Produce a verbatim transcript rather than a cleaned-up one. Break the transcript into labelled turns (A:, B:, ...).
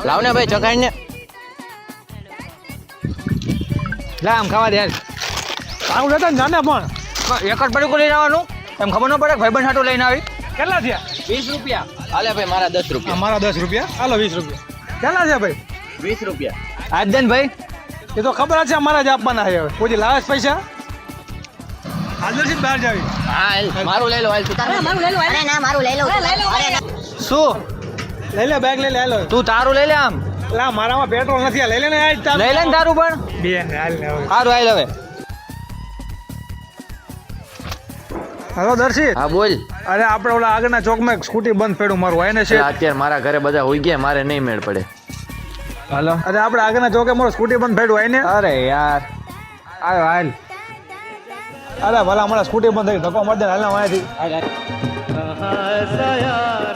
A: લાવ ને ભાઈ ચખાઈ ને
B: લા આમ ખાવા દે યાર
C: આવું લેતા ને જાને પણ
B: એક જ પડીકું લઈને આવવાનું એમ ખબર ન પડે ભાઈબંધ હાટું લઈને આવી
C: કેટલા થયા
A: વીસ રૂપિયા હાલે ભાઈ મારા દસ રૂપિયા
C: મારા દસ રૂપિયા હાલો વીસ રૂપિયા કેટલા છે ભાઈ
A: વીસ રૂપિયા
B: આજ દે ને ભાઈ
C: એ તો ખબર જ છે અમારા જ આપવાના છે હવે કોઈ લાવે છે પૈસા હાજરથી બહાર જાવી
A: હા હાલ, મારું લઈ લો હાલ તું તારું.
D: અરે ના મારું લઈ લઉં અરે ના
B: શું
C: લઈ લે બેગ લઈ લે હાલો
B: તું તારું લઈ લે આમ
C: લા મારામાં પેટ્રોલ નથી આ લઈ લે ને આજ તાર
B: લઈ લે ને તારું પણ
C: બે હાલ ને હવે
B: સારું હાલ હવે
C: હાલો દર્શિત
A: હા બોલ
C: અરે આપણે ઓલા આગળના ચોકમાં એક સ્કૂટી બંધ પડ્યું મારું હોય ને છે
A: અત્યારે મારા ઘરે બધા હોઈ ગયા મારે નહીં મેળ પડે
B: હાલો
C: અરે આપણે આગળના ચોકે મારું સ્કૂટી બંધ પડ્યું હોય ને
B: અરે યાર આવ્યો હાલ
C: અરે ભલા અમારા સ્કૂટી બંધ થઈ ધક્કો મારી દે હાલ ને અહીંયાથી